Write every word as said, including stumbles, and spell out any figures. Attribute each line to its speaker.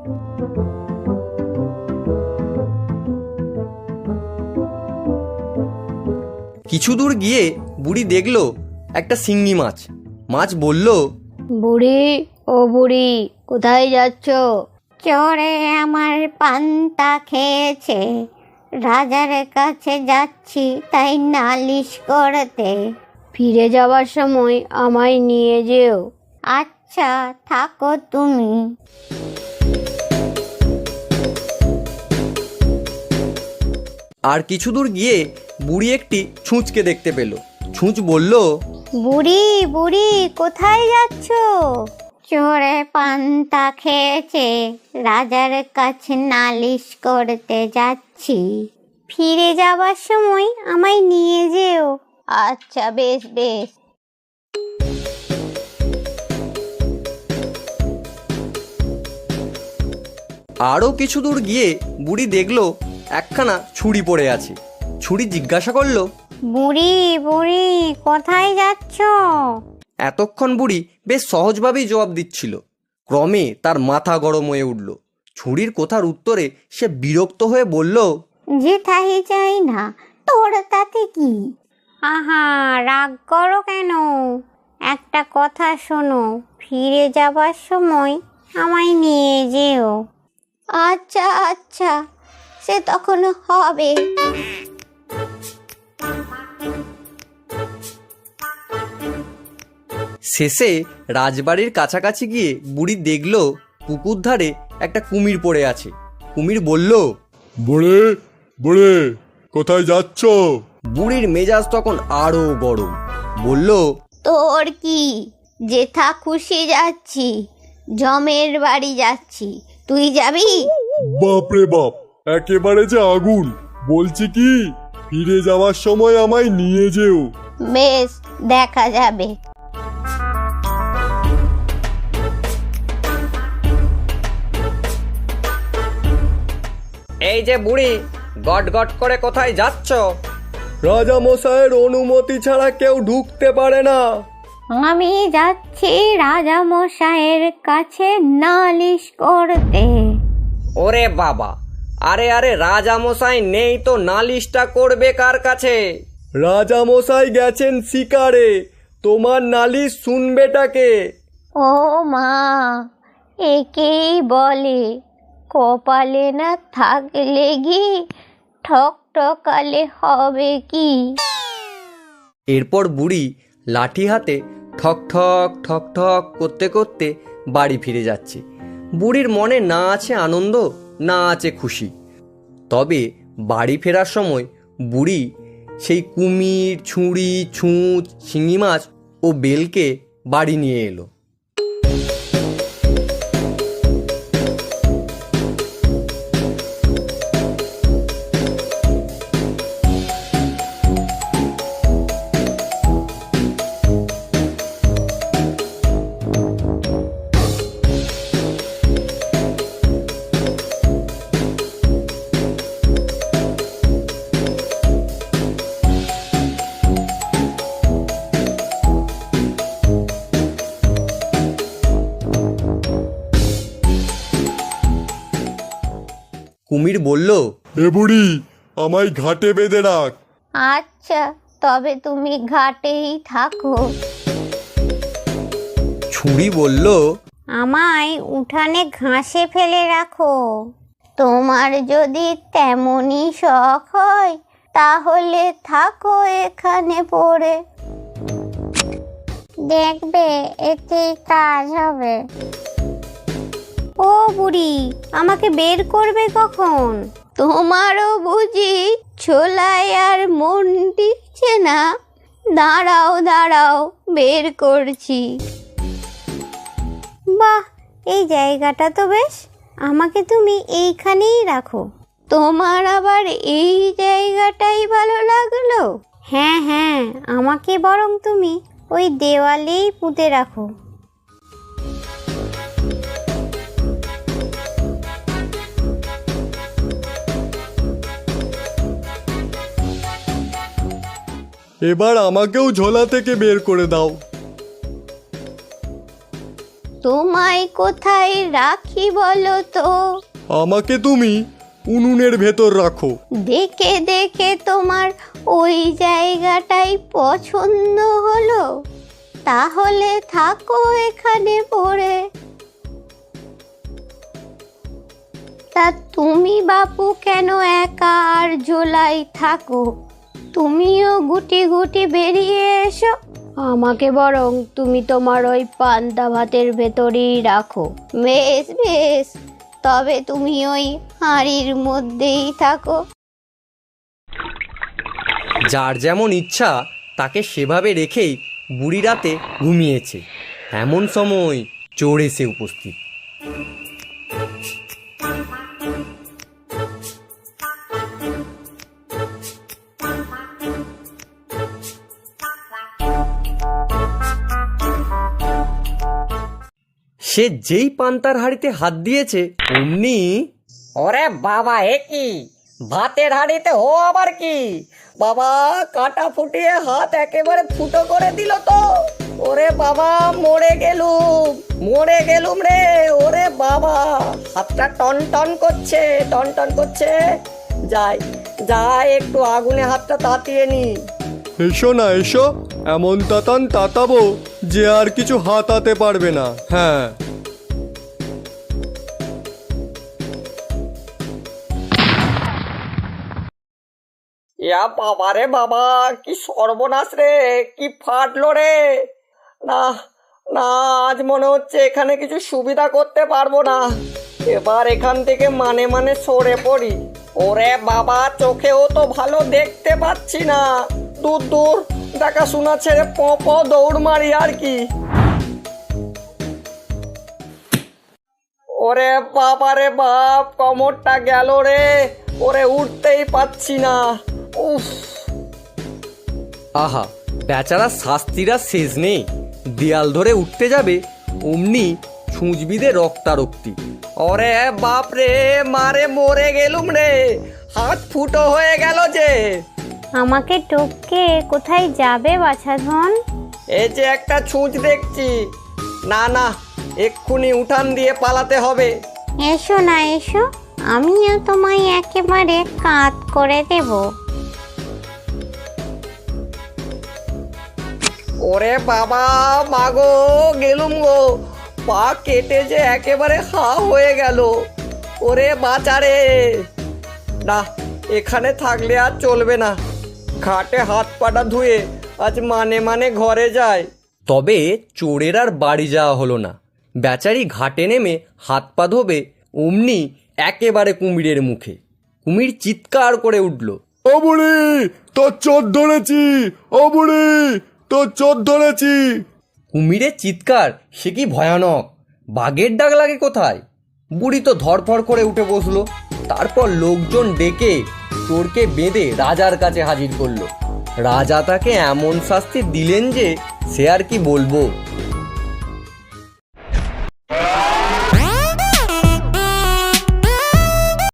Speaker 1: কিছু দূর গিয়ে বুড়ি দেখলো একটা শিঙ্গি মাছ। মাছ বলল,
Speaker 2: বুড়ি ও বুড়ি, কোথায় যাচ্ছ? চোরে আমার পান্তা খেয়েছে, রাজার কাছে যাচ্ছি তাই নালিশ করতে। ফিরে যাবার সময় আমায় নিয়ে যেও। আচ্ছা থাকো তুমি।
Speaker 1: আর কিছু দূর গিয়ে বুড়ি একটি ছুঁচকে দেখতে পেল। ছুঁচ বলল,
Speaker 2: বুড়ি বুড়ি কোথায় যাচ্ছ? চোরে পান্তা খেয়েছে, রাজার কাছে নালিশ করতে যাচ্ছি। ফিরে যাবার সময় আমায় নিয়ে যেও। আচ্ছা বেশ বেশ।
Speaker 1: আরও কিছু দূর গিয়ে বুড়ি দেখলো একখানা ছুরি পড়ে আছে। ছুরি জিজ্ঞাসা করলো,
Speaker 2: বুড়ি বুড়ি কোথায় যাচ্ছ?
Speaker 1: এতক্ষণ বুড়ি বেশ সহজভাবেই জবাব দিচ্ছিল। ক্রমে তার মাথা গরম হয়ে উঠল। ছুরির কথার উত্তরে সে বিরক্ত হয়ে বলল,
Speaker 2: যেথাই চাই না, তোর তাতে কি? আহা রাগ করো কেন? একটা কথা শোনো, ফিরে যাবার সময় আমায় নিয়ে যেও। আচ্ছা আচ্ছা, সে তখন হবে।
Speaker 1: শেষে রাজবাড়ির কাছাকাছি গিয়ে বুড়ি দেখলো পুকুর ধারে একটা কুমির পড়ে আছে। কুমির বলল,
Speaker 3: বুড়ি বুড়ি কোথায় যাচ্ছ?
Speaker 1: বুড়ির মেজাজ তখন আরো গরম। বলল,
Speaker 2: তোর কি? যেথা খুশি যাচ্ছি, জমের বাড়ি যাচ্ছি, তুই যাবি?
Speaker 3: বাপরে বাপ, একেবারে যে আগুন! বলছি কি, ফিরে যাওয়ার সময় আমায় নিয়ে যেও।
Speaker 2: বেশ, দেখা যাবে।
Speaker 1: এই যে বুড়ি, গট গট করে কোথায় যাচ্ছ? রাজা মশাইয়ের অনুমতি ছাড়া কেউ ঢুকতে পারে না।
Speaker 2: আমি যাচ্ছি রাজা মশাইয়ের কাছে নালিশ করতে।
Speaker 1: ওরে বাবা, আরে আরে রাজা মশাই নেই তো নালিশটা করবে কার কাছে? রাজা মশাই গেছেন শিকারে, তোমার নালিশ শুনবেটাকে?
Speaker 2: ও মা, একেই বলে কপালে না থাকলে কি ঠক ঠকালে হবে কি?
Speaker 1: এরপর বুড়ি লাঠি হাতে ঠক ঠক ঠক ঠক করতে করতে বাড়ি ফিরে যাচ্ছে। বুড়ির মনে না আছে আনন্দ, না আছে খুশি। তবে বাড়ি ফেরার সময় বুড়ি সেই কুমির, ছুরি, ছুঁচ, শিঙি মাছ ও বেলকে বাড়ি নিয়ে এলো। কুমির বলল,
Speaker 3: এ বুড়ি, আমায় ঘাটে বেঁধে রাখ।
Speaker 2: আচ্ছা, তবে তুমি ঘাটেই থাকো।
Speaker 1: ছুরি বলল,
Speaker 2: আমায় উঠানে ঘাসে ফেলে রাখো। তোমার যদি তেমনই শখ হয় তাহলে থাকো এখানে পড়ে, দেখবে এতেই কাজ হবে। ও বুড়ি, আমাকে বের করবে কখন? তোমারও বুঝি ছোলায় আর মন টিকছে না? দাঁড়াও দাঁড়াও, বের করছি। বাহ, এই জায়গাটা তো বেশ, আমাকে তুমি এইখানেই রাখো। তোমার আবার এই জায়গাটাই ভালো লাগলো? হ্যাঁ হ্যাঁ, আমাকে বরং তুমি ওই দেওয়ালেই পুঁতে রাখো।
Speaker 3: এবার আমাকেও ঝোলা থেকে বের করে দাও।
Speaker 2: তোমায় কোথায় রাখি বলো তো?
Speaker 3: আমাকে তুমি উনুনের ভেতর রাখো।
Speaker 2: দেখে দেখে তোমার ওই জায়গাটাই পছন্দ হলো? তাহলে থাকো এখানে পড়ে। তা তুমি বাপু কেন একা আর জোলাই থাকো? তুমিও গুটি গুটি বেরিয়ে এসো। আমাকে বরং তুমি তোমার ওই পান্তা ভাতের ভেতরেই রাখো। বেশ বেশ, তবে তুমি ওই হাঁড়ির মধ্যেই থাকো।
Speaker 1: যার যেমন ইচ্ছা তাকে সেভাবে রেখেই বুড়ি রাতে ঘুমিয়েছে। এমন সময় চোর এসে উপস্থিত। সে যেই পান্তার হাঁড়িতে হাত দিয়েছে অমনি,
Speaker 4: ওরে বাবা, এ কি ভাতের হাঁড়িতে ও আবার কি? বাবা, কাটা ফুটিয়ে হাত একেবারে ফুটো করে দিল তো। ওরে বাবা, মরে গেলুম মরে গেলুম রে। ওরে বাবা, হাতটা টন টন করছে টন টন করছে। যাই যাই একটু আগুনে হাতটা তাতিয়ে নি।
Speaker 3: এসো না এসো, এমন তাতান তাতাবো যে আর কিছু হাতাতে পারবে না। হ্যাঁ,
Speaker 4: ইয়া বাবা রে বাবা, কি সর্বনাশ রে, কি ফাটলো রে। না না, আজ মনে হচ্ছে এখানে কিছু সুবিধা করতে পারবো না। এবার এখান থেকে মানে মানে সরে পড়ি। ওরে বাবা, চোখেও তো ভালো দেখতে পাচ্ছি না। দূর দূর দেখাশোনা ছেড়ে প প দৌড় মারি আর কি। ওরে বাবা রে বাপ, কোমরটা গেল রে। ওরে উঠতেই পাচ্ছি না। উফ,
Speaker 1: আহা, বেচারা শাস্তিরা শেষ নেই। দেয়াল ধরে উঠতে যাবে অমনি ছুঁচবিদে রক্তারক্তি।
Speaker 4: ওরে বাপ রে, মারে মরে গেলুম রে। হাত ফুটো হয়ে গেল যে।
Speaker 2: আমাকে টপকে কোথায় যাবে বাছাধন?
Speaker 4: এই যে একটা ছুঁচ দেখছি। না না, এক্ষুনি উঠান দিয়ে পালাতে হবে।
Speaker 2: এসো না এসো, আমিও তোমায় একেবারে কাত করে দেব।
Speaker 4: ওরে বাবা, মাগো গেলুম গো। পা কেটে যে একেবারে হা হয়ে গেল। ওরে বাঁচারে। না, এখানে থাকলে আর চলবে না। ঘাটে হাত পাটা ধুয়ে আজ মানে মানে ঘরে যায়।
Speaker 1: তবে চোরের আর বাড়ি যাওয়া হলো না। বেচারি ঘাটে নেমে হাত পা ধোবে অমনি একেবারে কুমিরের মুখে। কুমির চিৎকার করে উঠল,
Speaker 3: ও বুড়ি, তোর চোর ধরেছি। ও বুড়ি, তোর চোর ধরেছি।
Speaker 1: কুমিরের চিৎকার সে কি ভয়ানক! বাঘের ডাক লাগে কোথায়! বুড়ি তো ধরফর করে উঠে বসলো। তারপর লোকজন ডেকে চোরকে বেঁধে রাজার কাছে হাজির করলো। রাজা তাকে এমন শাস্তি দিলেন যে সে আর কি বলবো।